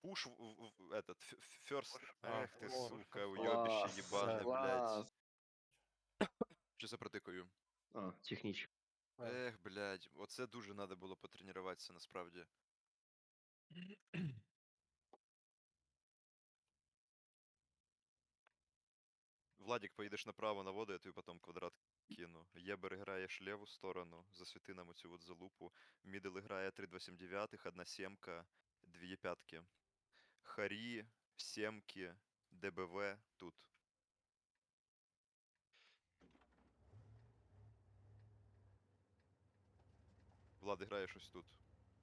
Пуш этот, first. Эх ты, О, сука, уебище Класс, ебаное, класс. блядь. Що за протикаю? А, технічно. Ех, блядь, оце дуже надо було потренуватися насправді. Владик, поїдеш направо на воду, я тобі потім квадрат кину. Єбер граєш ліву сторону, засвіти нам оцю от залупу. Мідл грає 3,29, 1 сімка, 2 п'ятки. Харі, сімки, ДБВ тут. Влад, граєш ось тут.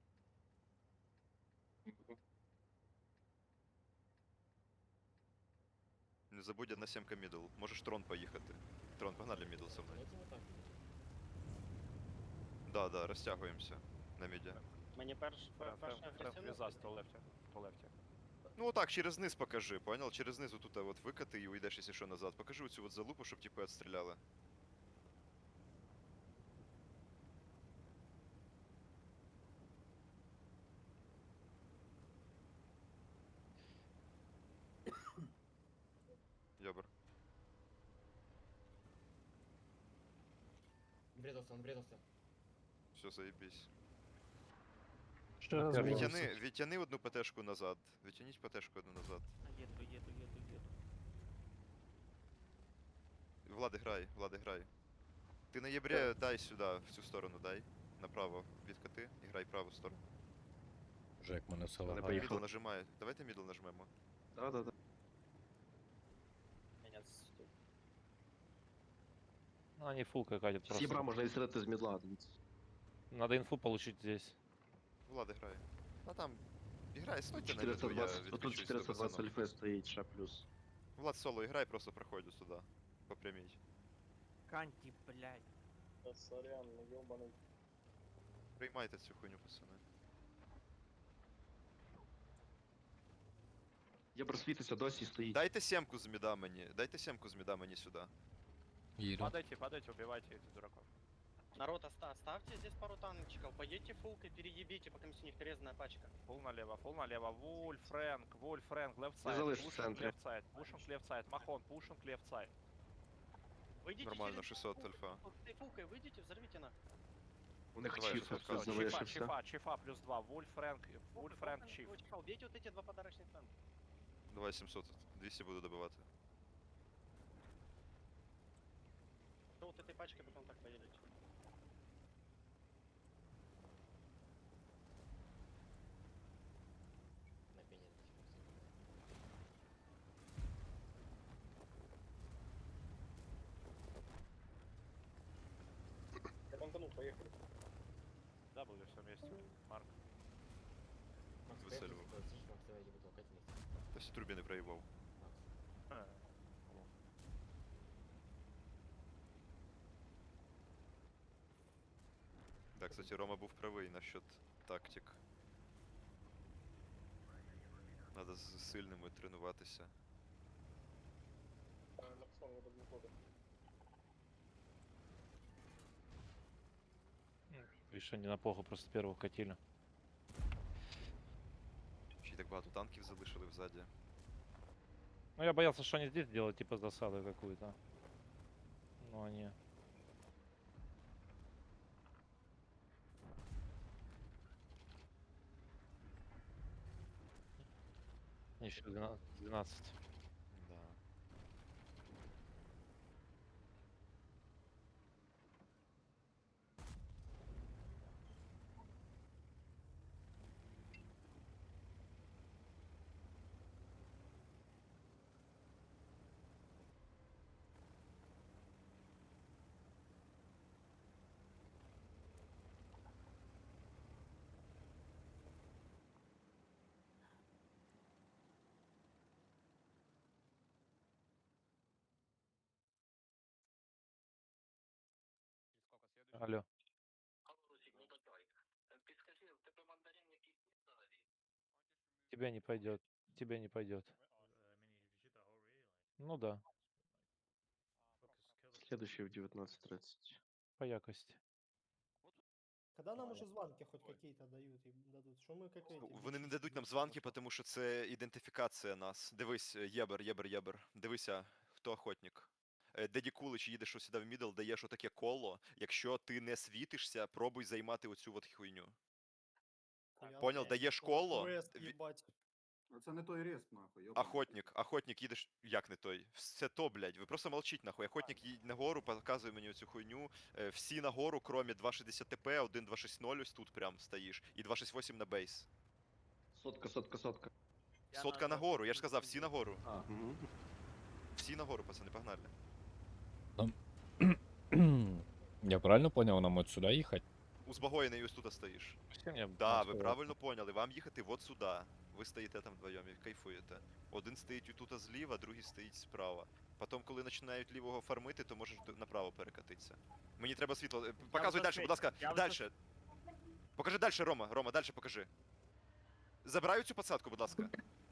Не забудь 1 сімка мідл. Можеш трон поїхати. Трон, погнали мідл со мною. Да, розтягуємося на міді. Мені перша Візас, то лефті. То лефті. Ну отак, через низ покажи, понял? Через низ вот тут вот викати і уйдеш, якщо що, назад. Покажи оцю от залупу, щоб типу відстріляли. Йобр. Врезался, он врезался. Все, заебись. Ще раз врезався. Відтяни одну ПТшку назад. Відтяніть ПТшку одну назад. Еду. Влад, грай. Ти на єбре дай сюди, в цю сторону дай. Направо відкати і грай праву сторону. Вже як мене все Не лагає. поїхав. Мідл нажимає. Давайте мідл нажмемо. Да. Меня Ну, они фулкой катят просто. Сібра можна відстрілити з мідла, дивіться. Надо инфу получить здесь. Влад, грай. А там. Іграй, стойте на міду, я 420, тут відключусь до 420 пацанов. альфи стоїть, ще плюс. Влад соло іграй, просто проходь сюди. По прямій. Канти, блядь. Да сорян, ну ёбаный. Приймайте цю хуйню, пацани. Я просвітився, досі стоїть. Дайте сімку з міда мені сюди. Їду. Падайте, убивайте этих дураков. Народ, оставьте здесь пару танчиков, пойдите фулкой, переебите, пока у них резная пачка. Фул налево. Вульф, Фрэнк, лефт Я сайд. залишу в Пушинг, центрі. лефт сайд. Пушинг, лефт сайд. Махон, пушинг, лефт сайд. Выйдите Нормально, через 600 фулку, альфа. Ты фулкой выйдите, взорвите на. У них Давай, чіф що хтось тут залишився. Чифа плюс 2. Вульф, Фрэнк, Чиф. Убейте вот эти два подарочных танка. Давай 700, 200 буду добивати. То вот этой пачкой потом так поедете. На пене. Я банканул, поехали. Да, были все вместе. Марк. Макс, Весело. поехали, слышишь, Макс, давай, иди толкать вместе. Та всі турбіни проїбав. Макс. Так, кстати, Рома був правий насчет тактик. Надо з сильними тренуватися. Написал мне до года. Видишь, они на поху просто первого катили. Ще й так багато танків залишили взаді. Ну, я боялся, что они здесь делают, типа, засаду какую-то. Но они... Еще 12. Да. Алло. Тебя не пойдет. Тебе не пойдет. Ну да, Следующий в 19:30. по якости. Когда нам уже звонки хоть какие-то дают и дадут? Что мы как эти? Вони не бичи дадуть нам сидим званки, просто? тому що це ідентифікація нас. Дивись, єбер. Дивися, хто охотник. Деді Кулич їдеш сюди в мідл, даєш отаке коло. Якщо ти не світишся, пробуй займати оцю от хуйню. Хуя Понял? окей. Даєш О, коло. квест, ві- ебать. Це не той респ, нахуй, йобаний. Охотник, їдеш. Як не той? Все то, блядь. Ви просто молчіть, нахуй. Охотник їдь нагору, показує мені оцю хуйню. Всі нагору, кромі 260 ТП, 1.260 ось тут прям стоїш. І 268 на бейс. Сотка. Я Сотка на нагору, я ж 270. сказав, всі нагору. А, угу. Всі нагору, пацани, погнали. Я правильно понял, нам от сюда ехать? Узбагоєний ось тут стоїш. Все мне Да, ви сказал. правильно поняли. Вам їхати от сюди. Ви стоїте там вдвоєм і кайфуєте. Один стоїть тут зліва, другий стоїть справа. Потім, коли починають лівого фармити, то можеш направо перекатитися. Мені треба світло. Показуй вже далі, будь ласка. я вже Далі. Покажи далі, Рома. Рома, далі покажи. Забираю цю посадку, будь ласка.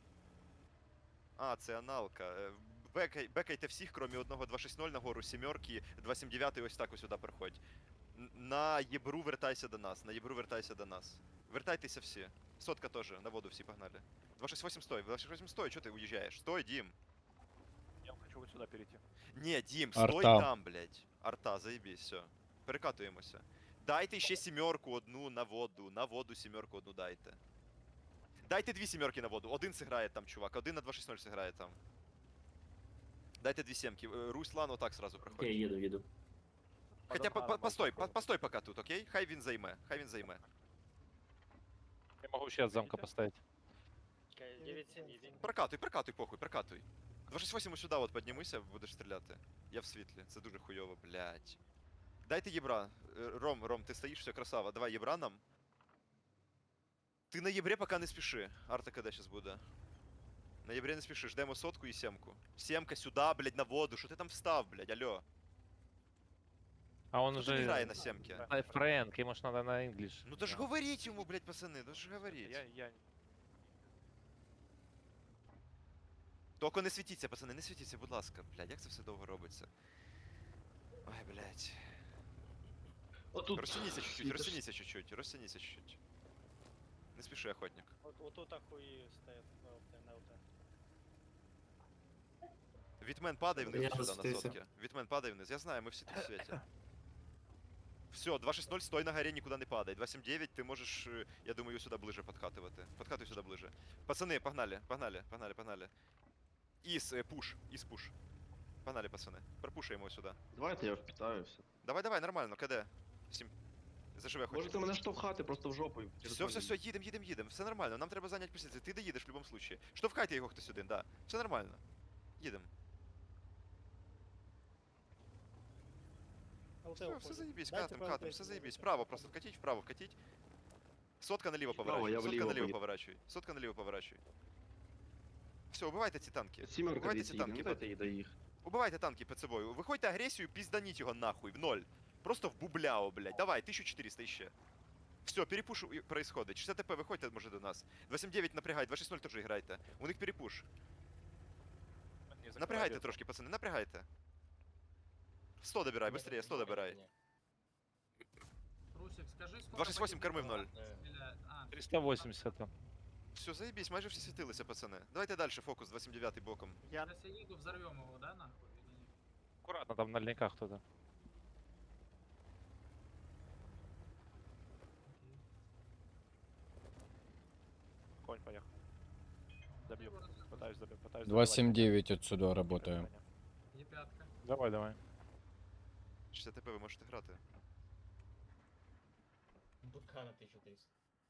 А, це аналка. Бекайте всіх, крім одного 260 нагору, сімерки, 279 ось так ось сюди приходь. На єбру вертайся до нас, Вертайтеся всі. Сотка теж, на воду всі погнали. 268 стой, 268 стой, чого ти уїжджаєш? Стой, Дім. Я хочу вот сюда перейти. Ні, Дім, стой Арта. там, блядь. Арта, заєбісь, все. Перекатуємося. Дайте ще сімерку одну на воду сімерку одну дайте. Дайте дві сімерки на воду, один сиграє там, чувак, один на 260 сиграє там. Дайте дві сімки. Руслан отак сразу проходь. еду. Хоча постой пока тут, окей? Хай він займе. Я могу ще от замка поставить. Окей, 9-7 їдь. Прокатуй, похуй, прокатуй. 268 сюди от піднімися, будеш стріляти. Я в світлі, це дуже хуйово, блядь. Дайте єбра. Ром, ти стоїш, все, красава. Давай єбра нам. Ти на єбре поки не спіши. Арта КД зараз буде. На єбре не спіши, ждемо сотку і сімку. Сімка сюди, блядь, на воду. Що ти там встав, блядь, алло? А он Хто уже... не грає на сімки? Фрэнк, ему ж надо на English. Ну то ж говоріть йому, блядь, пацани, то ж говоріть. Я... Тільки не світіться, пацани, не світіться, будь ласка. Блядь, як це все довго робиться? Ой, блядь. Отут. Розтяніться чуть-чуть. Не спіши, охотник. Вот тут ахуї стоять на ЛТ. Вітмен падає вниз Я сюди на спустився. сотки. Вітмен падає вниз, я знаю, ми всі тут в світі. Все, 260 стой на горе, нікуди не падай. 279 ти можеш, я думаю, сюди ближе подкатувати. Подкатуй сюди ближе. Пацани, погнали. Пуш. Погнали, пацани. Пропушуємо його сюди. Давайте я впитаюся. Давай, нормально, КД. Заживе хоч. Можете мене штовхати просто в жопу. і Все, їдем. Все нормально, нам треба зайняти позицію. Ти доїдеш в будь-якому случае. Штовхайте його хтось один, да. Все нормально. Їдем. ЛТ Все уходит. заебись, Дайте катим, ПЛТ все заебись. сюда. Вправо просто вкатить. Сотка наліво Вправо, поворачивай. я Сотка вліво наліво поїду. поворачивай. Все, убивайте ці танки. Сімерка Убивайте дивіться, ці їде, танки. ну дайте їй доїхати. Убивайте танки під собою. Виходьте агресію, пізданіть його нахуй, в ноль. Просто в бубляо, блядь. Давай, 1400 іще. Все, перепуш происходит. 60 ТП, виходьте, може, до нас. 279 напрягай, 260 теж грайте. У них перепуш. Напрягайте трошки, пацани, напрягайте. 100 добирай, быстрее, 100 добирай. Русик, скажи, сколько 268 корми в ноль. стреляет? А, 380 там. Все, заебись, майже всі світилися, пацани. Давайте далі, фокус 279 боком. сейчас я еду, взорвем его, да, нахуй? или нет? Аккуратно, там на льниках кто-то. Конь поехал. Добью. Пытаюсь добить. 279 отсюда работаю. Е5-ка. Давай. 60 ТП ви можете грати. БК на 1300.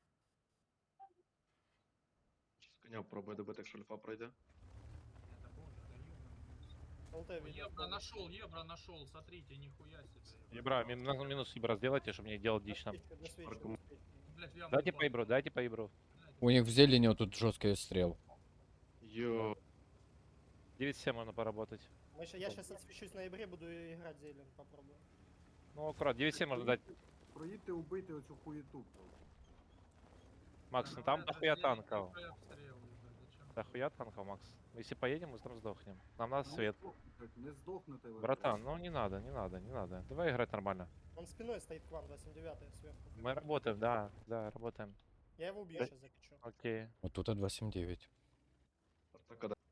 Щас коня пробує добити, якщо альфа пройде. Это боже, да ёбаный. ЛТ видно. Ебра нашел, смотрите, нихуя себе. Ебра, минус ебра сделайте, чтобы не делать дичь там. Парком. Блять, в яму Дайте упал. по ебру. Блядь, У них в зелени вот тут жесткий стрел. Йо. 9-7 можно поработать. Я сейчас отсвечусь на ноябре, буду играть зелен, попробую. Ну, аккурат, 9-7 можно дать. Проїдьте убити оцю хуєту. Макс, ну там это дохуя зелень, танков. нихуя обстрел, ебать, зачем Да хуя танков, Макс? Если поедем, мы там сдохнем. Нам надо Ну, свет. Не здохнете ви. Братан, ну не надо, не надо, не надо. Давай играть нормально. Он спиной стоит к вам, 279 сверху. Мы работаем, да, да, работаем. Я его убью Да. сейчас, закачу. Окей. Вот тут 279. Артака, да.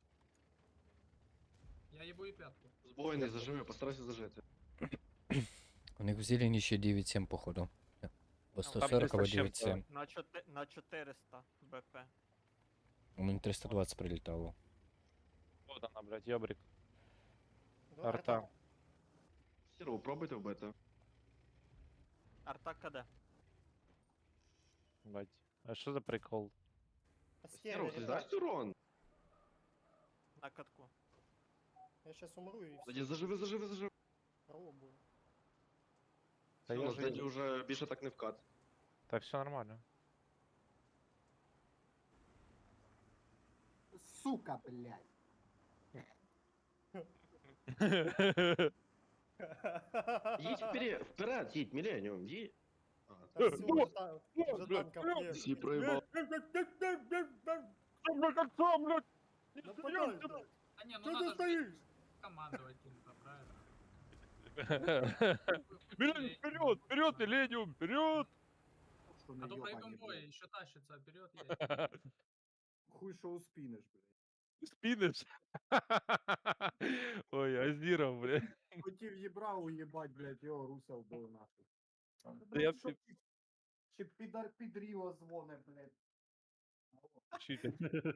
Я ебу и пятку. Сбойный, зажими, постарайся зажать. У них в зелени ще 9,7 походу. По там 140, а 300 с чем-то. 9,7. На 400 БП. У мене 320 прилітало. Вот она, блядь, ёбрик. Да, Арта. Сіру, пробуйте вбити. Арта КД. Бать. А что за прикол? Сіру, Стерва, ти ребят, дасть урон? На катку. я сейчас умру и Тоді все. заживи, заживи, заживи. Пробую. Та Все, я у нас же- Деді вже більше так не вкат. Так все нормально. Сука, блядь. Їдь вперед, їдь, Міленіум, їдь. А, Да всё, уже танков нет. всі проїбав. Нападай, блядь. А не, ну Чё ты надо же стоишь? командовать кем-то, правильно? Миллениум, вперед, вперед, Миллениум, вперед! Що не А то йобані, проебом бой блядь. еще тащится вперед. едет. Хуй що успінеш, блядь. Спиннешь? Ой, Азиров, блядь. Хотів їбра уїбать, блядь, його руся вбив нахуй. Да я Блядь, що ти? Ще підар підріо дзвоне, блядь. Читер.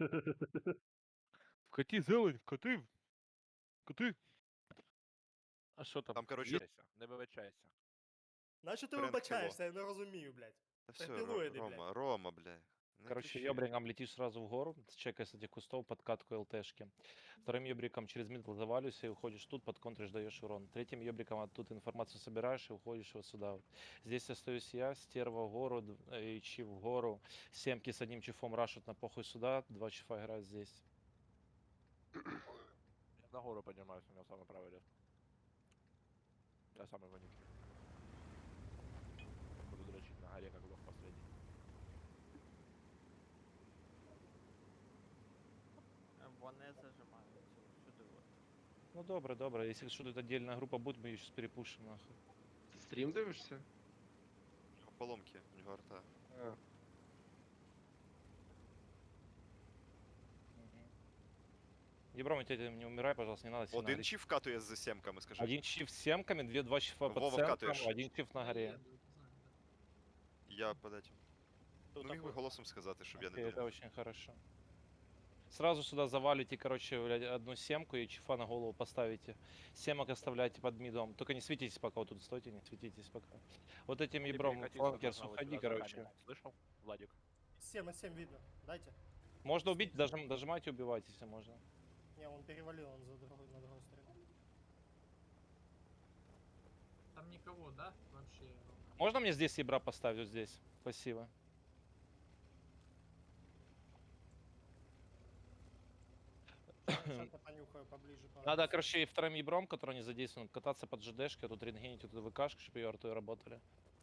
Вкати зелень, вкати. Вкати. А що там? Там, короче, Не вибачайся. Нащо ти Френк вибачаєшся, я не розумію, блядь. Да все, пилоиды, Рома, Рома, бля. Не Короче, кричи. ёбриком летишь сразу в гору, чекай с этих кустов подкатку ЛТшки. Вторым ёбриком через мидл завалюйся и уходишь тут, подконтришь, даешь урон. Третьим ёбриком оттуда информацию собираешь и уходишь вот сюда вот. Здесь остаюсь я, стерва в гору, и чиф в гору. Семки с одним чифом рашут на похуй сюда, 2 чифа играют здесь. Я на гору поднимаюсь, у меня самый правый ряд. Я самый вонючий. Буду дрочить на горе, как лох последний. Вони зажимають сюди. Ну добре, добре. Если что-то отдельная группа будет, мы ее сейчас перепушим нахуй. Ти стрім дивишся? У нього поломки, у нього арта. Ебром, не умирай, пожалуйста, не надо сильно Один гореть. чиф катує з сімками, скажи. Один чиф с семками, два чифа по Вова, центрам, вкатываешь. один чиф на горе. Еду, знаю, да. Я под этим. Ну міг би голосом сказати, щоб я не Окей, это думав. очень хорошо. Сразу сюда завалите, короче, блядь, одну семку и чифа на голову поставите. Семок оставляйте под мидом. Только не светитесь пока, вот тут стойте, не светитесь пока. Вот этим ебром фланкерс уходи, короче. Слышал, Владик? 7 от 7 видно. Дайте. Можно убить, дожимайте, убивайте, если можно. Не, он перевалил, он за другой, на другой стороне. Там никого, да? Вообще. Можно мне здесь ебра поставить, вот здесь? Спасибо. Сейчас я понюхаю поближе. Надо, короче, и вторым ебром, который не задействован, кататься под ЖДшкой, а тут рентгенить, вот эту ВКшку, чтобы ее артой работали.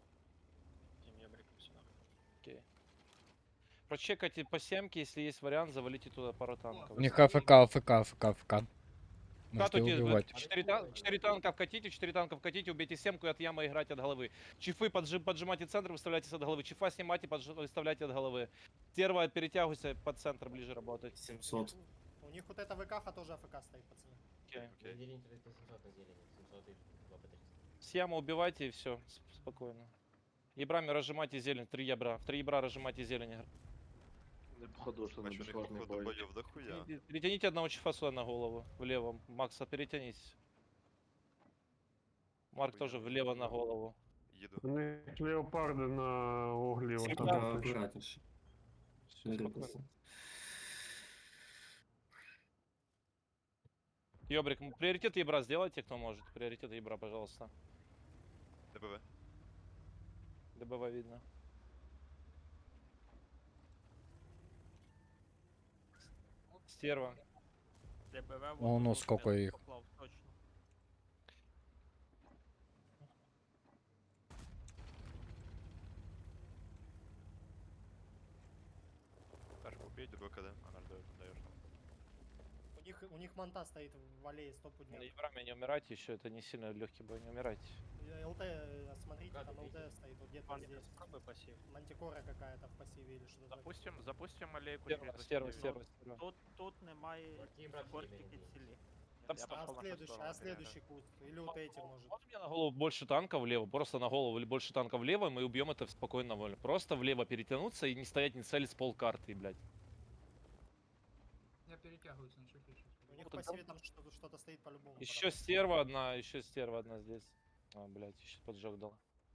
Окей. Прочекайте по семке, если есть вариант, завалите туда пару танков. У них АФК. Можете Катайте, убивать. 4 танка вкатите, 4 танка вкатите, убейте семку и от ямы играть от головы. Чифы поджимайте центр, выставляйтесь от головы. Чифа снимайте, выставляйте от головы. Стерва, перетягивайся под центр ближе работать. 700. У них вот эта ВК тоже АФК стоит, пацаны. Окей. Окей. Зелень 700 на зелени, 700 и 2 по 300. С ямы убивайте и все, спокойно. Ебрами разжимайте зелень, 3 ябра. В 3 ябра разжимайте зелень. Не походу, що не Бачу, у них безсложний походу бой. боїв дохуя. Перетяните одного чифа сюда на голову, влево. Макса, перетянись. Марк тоже влево на голову. Їду. У них леопарди на углі. Всі отам так, стоять. Всё, спокойно. Ёбрик, приоритет ебра сделайте, кто может. Приоритет ебра, пожалуйста. ДБВ. ДБВ видно. Стерва. ДБВ Ну, сколько их. Точно. Пешку убить, ДБВ КД. Даешь там. у них манта стоит в аллее 100 На пудняк. Ебраме не умирайте еще, это не сильно легкий бой, не умирайте. ЛТ, смотрите, Гады, там ЛТ видите? стоит вот где-то Ваня, здесь. попробуй пассив. Мантикора какая-то в пассиве или что-то такое. Запустим алейку Стерва. Тут немає Марки, брат, скортики Емель, цілі. Там Я А пошел на следующий, шестого, следующий куст. Или вот эти, может. Вот у меня на голову больше танков влево, просто на голову или больше танков влево, и мы убьем это спокойно волю. Просто влево перетянуться и не стоять, не целить с полкарты, блядь. Я перетягиваюсь на чуть-чуть. У них в тогда- пассиве там что-то стоит по-любому. Еще стерва одна здесь. А, блядь, еще поджог дал.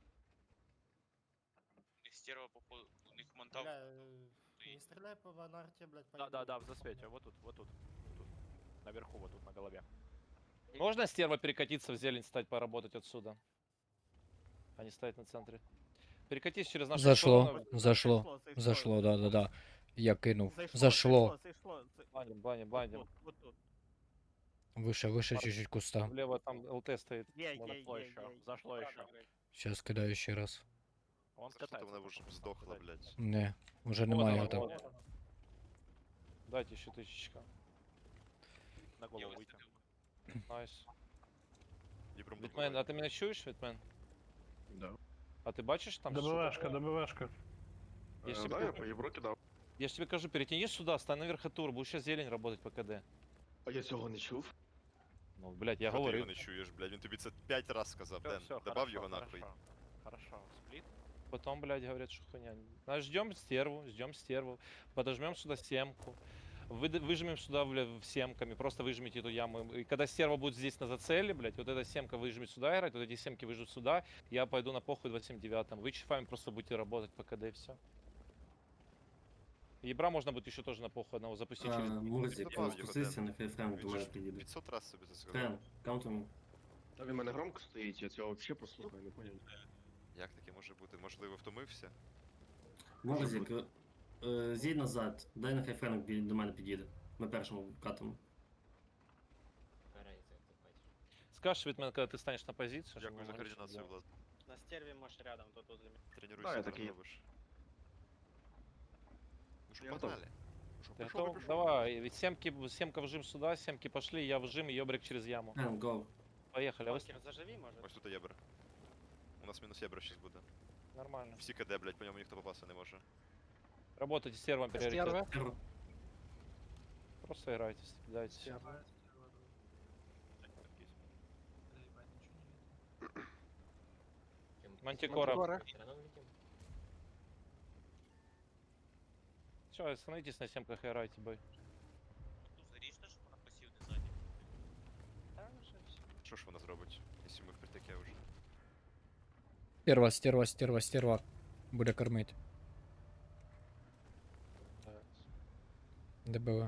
Стерва, походу, у них Бля, не стреляй по ванарте, блядь, по Да, в засвете, вот тут. Наверху, вот тут, на голове. Можно стерва перекатиться в зелень, стать поработать отсюда? А не стоять на центре. Перекатись через нашу Зашло, сторону. зашло, да. Я кинув. Зашло. Бланим. Вот тут. Выше чуть-чуть куста. Влево там ЛТ стоит. Зашло еще, зашло еще. Сейчас кидаю ще раз. Он Что-то катается. вона вже б здохла, блядь. Не, уже Вот немає она, його там. вот она. Дайте еще тысячка. На голову выйти. Найс. Дібром Вітмен, а ты меня чуешь, Вітмен? Да. А ты бачишь там? ДБВшка, ДБВшка. Я ж Да, тебе я по Євро кидав. Я ж тебе кажу, перетянись сюда, стань на верхотур, будешь сейчас зелень работать по КД. А я цього не чув. Ну, блядь, я Що ти говорю. його не чуєш, блядь, він тобі це 5 раз сказав, Ден. Все, Добав його нахуй. Хорошо, сплит. Потом, блядь, говорят, что хуйня. Ждем стерву, подожмем сюда семку. Выжмем сюда, блядь, семками, просто выжмите эту яму. И когда стерва будет здесь на зацеле, блядь, вот эта семка выжмет сюда играть, вот эти семки выжмут сюда, я пойду на похуй 279. Вы чифами просто будете работать по КД и все. Ебра можно будет еще тоже на похуй одного запустить через... Мурзик, ну, спустися, нехай Френк до мене приїде. 500 раз собі це сказав. Та він мене громко стоїть, я цього взагалі послухаю, не поняв. Як таке може бути? Можливо, втомився? Морзик, з'їдь назад, дай нехай Френк до мене підійде. Ми першому катимо. Скажешь, Витмен, когда ты станешь на позицию? чтобы Дякую мы за могли что координацію, сделать. Влад. На стерве можешь рядом, тут возле меня. Тренуйся, Да, я зараз такий. робиш. Ну що, Я готов. погнали. Ну що, Ты пішов, готов? пішов. Давай, ведь семка вжим сюда, семки пошли, я вжим, и ёбрик через яму. Френк, гоу. Поехали, а вы Факер, заживи, может? Ось тут єбер. У нас мінус єбер щас буде. нормально. Всі КД, блядь, по ньому ніхто попасти не може. Работайте с сервом приоритет. Стерва. Просто играйте, кидайте. Мантикора. Все, остановитесь на семках и играйте бой. Да, уже всё. Що ж вона зробить, якщо ми в притаке вже? Стерва. Буде кормити. ДБВ.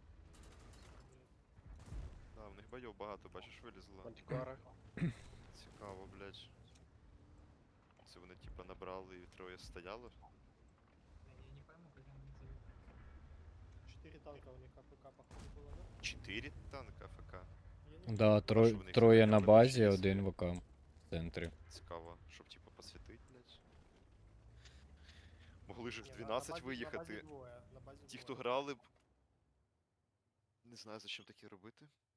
Да, в них бойов багато, бачиш, вилізло. Мантикора. Цікаво, блядь. Це вони типа набрали і троє стояло? Я не пойму, как они назовут. 4 танка у них АПК, походу, было, да? 4 танка АФК. Я не Да, що в них троє там на прям базі, щось? один в АК в центрі. Цікаво, щоб типа посвітить, блядь. Могли ж в Не, 12 на базе виїхати. двое, на базе Ті, хто двое. грали б. Не знаю, зачем таке робити.